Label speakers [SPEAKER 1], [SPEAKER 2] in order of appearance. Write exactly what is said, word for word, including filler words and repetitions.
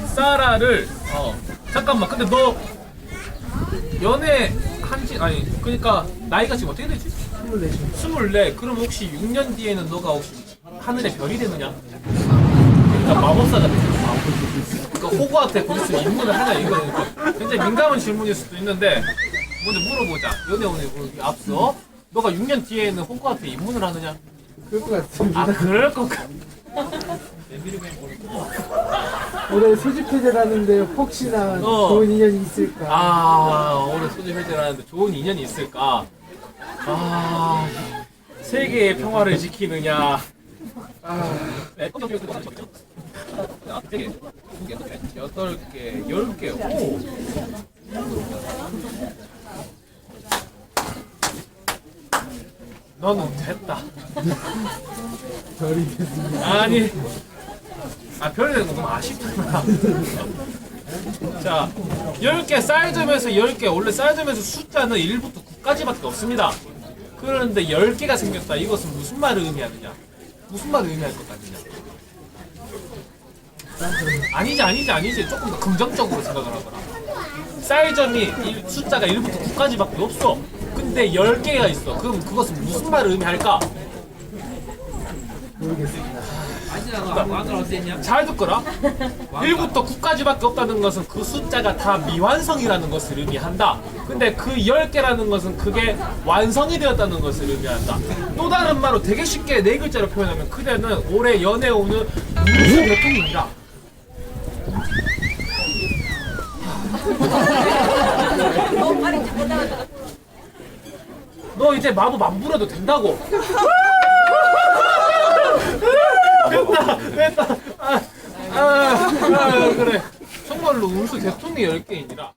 [SPEAKER 1] 사라를 어 잠깐만 근데 너 연애 한지 아니 그러니까 나이가 지금 어떻게 되지?
[SPEAKER 2] 스물네 시.
[SPEAKER 1] 스물네. 그럼 혹시 육 년 뒤에는 너가 혹시 하늘의 별이 되느냐? 그러니까 마법사가 되는 거야. 그러니까 호그와트에 곧 있으면 입문을 하냐 이거 굉장히 민감한 질문일 수도 있는데 먼저 물어보자. 연애 오늘 앞서 너가 육 년 뒤에는 호그와트에 입문을 하느냐?
[SPEAKER 2] 그럴 것 같습니다.
[SPEAKER 1] 아 그럴 것 같.
[SPEAKER 2] 올해 소집 해제라는데 혹시나
[SPEAKER 1] 어.
[SPEAKER 2] 좋은 인연이 있을까?
[SPEAKER 1] 아 올해 소집 해제라는데 좋은 인연이 있을까? 아 세계의 평화를 지키느냐? 아 네 개, 두 개, 여덟 개, 열 개. 오. 너는 됐다.
[SPEAKER 2] 별이 됐습니다.
[SPEAKER 1] 아니, 아 별이 되는 거 너무 아쉽잖아. 자, 열 개 쌀점에서 열 개 원래 쌀점에서 숫자는 일부터 구까지밖에 없습니다. 그런데 열 개가 생겼다. 이것은 무슨 말을 의미하느냐? 무슨 말을 의미할 것 같느냐? 아니지 아니지 아니지 조금 더 긍정적으로 생각을 하거라. 쌀점이 일- 숫자가 일부터 구까지밖에 없어. 근데 열 개가 있어. 그럼 그것은 무슨 말을 의미할까?
[SPEAKER 2] 모르겠습니다.
[SPEAKER 1] 잘 듣거라. 일부터 구까지밖에 없다는 것은 그 숫자가 다 미완성이라는 것을 의미한다. 근데 그 열 개라는 것은 그게 완성이 되었다는 것을 의미한다. 또 다른 말로 되게 쉽게 네 글자로 표현하면 그대는 올해 연애 오는 무수 대통령이다. 너 이제 마법 안 부려도 된다고. 됐다, 됐다. 아, 아, 아, 그래. 정말로 운수 대통령 열 개이니라.